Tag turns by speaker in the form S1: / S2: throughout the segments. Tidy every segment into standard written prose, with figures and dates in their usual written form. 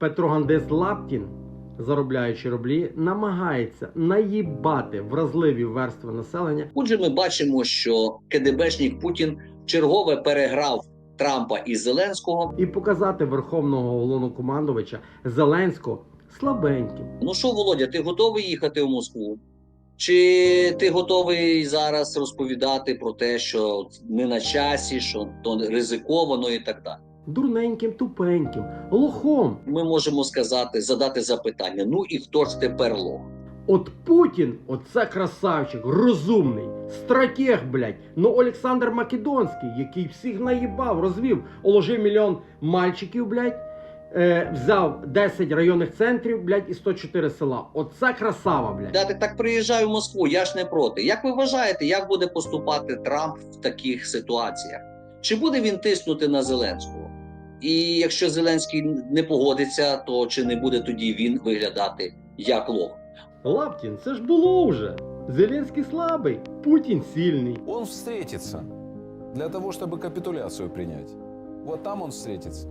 S1: Петрогандист Лаптін, заробляючи рублі, намагається наїбати вразливі верстви населення.
S2: Отже, ми бачимо, що КДБшник Путін чергове переграв Трампа і Зеленського.
S1: І показати верховного головнокомандувача Зеленського слабеньким.
S2: Ну що, Володя, ти готовий їхати в Москву? Чи ти готовий зараз розповідати про те, що не на часі, що то ризиковано і так далі?
S1: Дурненьким, тупеньким, лохом.
S2: Ми можемо сказати, задати запитання, ну і хто ж тепер лох?
S1: От Путін, оце красавчик, розумний, стратег, блядь. Ну Олександр Македонський, який всіх наїбав, розвів, уложив мільйон мальчиків, блядь, взяв 10 районних центрів, блядь, і 104 села. Оце красава, блядь.
S2: Дати так приїжджаю в Москву, я ж не проти. Як ви вважаєте, як буде поступати Трамп в таких ситуаціях? Чи буде він тиснути на Зеленського? І якщо Зеленський не погодиться, то чи не буде тоді він виглядати як лох?
S1: Лаптін, це ж було вже. Зеленський слабий, Путін сильний.
S3: Он встретится для того, чтобы капитуляцию принять. Вот там он встретится.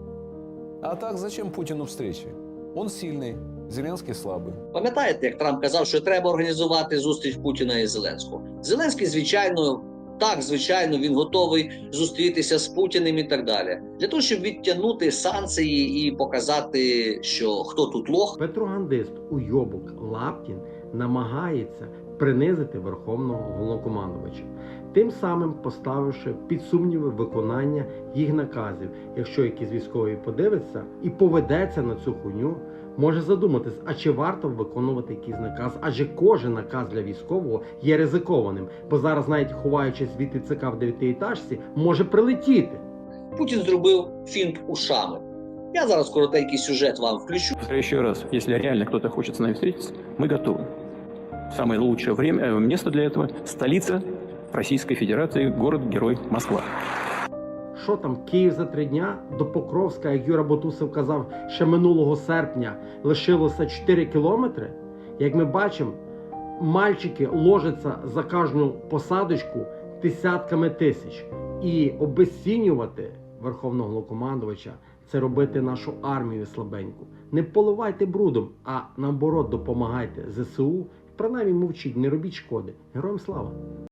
S3: А так зачем Путину встречи? Он сильный, Зеленский слабый.
S2: Пам'ятаєте, як Трамп казав, що треба організувати зустріч Путіна і Зеленського? Зеленський, звичайно, він готовий зустрітися з Путіним і так далі. Для того, щоб відтягнути санкції і показати, що хто тут лох.
S1: Петрогандист уйобок Лаптін намагається принизити верховного головнокомандувача, тим самим поставивши під сумніви виконання їх наказів. Якщо якийсь військовий подивиться і поведеться на цю хуйню, може задуматись, а чи варто виконувати якийсь наказ, адже кожен наказ для військового є ризикованим, бо зараз, навіть ховаючись від ТЦК в 9-етажці, може прилетіти.
S2: Путін зробив фінт ушами. Я зараз коротенький сюжет вам включу.
S4: Еще раз, если реально кто-то хочет с нами встретиться, мы готовы. Самое лучшее время, место для этого – столица Российской Федерации, город-герой Москва.
S1: Що там, Київ за 3 дня? До Покровська, як Юра Бутусов казав, ще минулого серпня лишилося 4 кілометри. Як ми бачимо, мальчики ложаться за кожну посадочку десятками тисяч. І обезцінювати верховного головнокомандувача – це робити нашу армію слабеньку. Не поливайте брудом, а наоборот допомагайте ЗСУ. Принаймні мовчіть, не робіть шкоди. Героям слава!